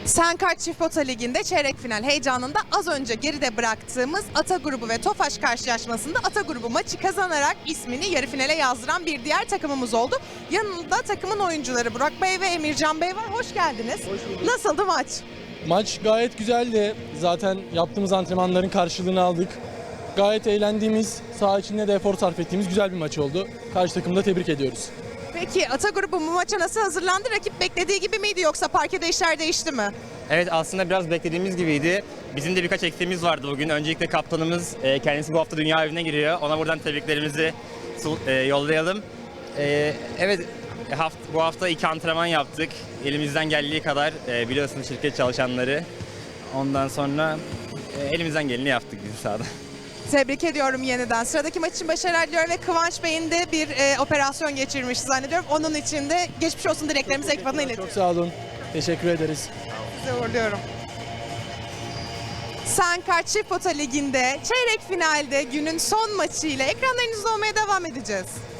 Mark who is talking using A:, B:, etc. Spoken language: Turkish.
A: Senkart Çift Pota Ligi'nde çeyrek final heyecanında az önce geride bıraktığımız Ata Grubu ve Tofaş karşılaşmasında Ata Grubu maçı kazanarak ismini yarı finale yazdıran bir diğer takımımız oldu. Yanında takımın oyuncuları Burak Bey ve Emircan Bey var. Hoş geldiniz.
B: Hoş bulduk.
A: Nasıldı maç?
B: Maç gayet güzeldi. Zaten yaptığımız antrenmanların karşılığını aldık. Gayet eğlendiğimiz, saha içinde de efor sarf ettiğimiz güzel bir maç oldu. Karşı takımı da tebrik ediyoruz.
A: Peki Ata Grubu bu maça nasıl hazırlandı? Rakip beklediği gibi miydi yoksa parkede işler değişti mi?
C: Evet, aslında biraz beklediğimiz gibiydi. Bizim de birkaç eksiğimiz vardı bugün. Öncelikle kaptanımız kendisi bu hafta dünya evine giriyor. Ona buradan tebriklerimizi yollayalım. Evet, bu hafta 2 antrenman yaptık. Elimizden geldiği kadar biliyorsunuz şirket çalışanları. Ondan sonra elimizden geleni yaptık biz sahada.
A: Tebrik ediyorum yeniden. Sıradaki maç için başarılar diliyorum ve Kıvanç Bey'in de bir operasyon geçirmiş zannediyorum. Onun için de geçmiş olsun dileklerimizi ekibine iletiyorum.
B: Çok sağ olun. Teşekkür ederiz.
A: Size uğurluyorum. Senkart Çift Pota Ligi'nde çeyrek finalde günün son maçıyla ekranlarınızda olmaya devam edeceğiz.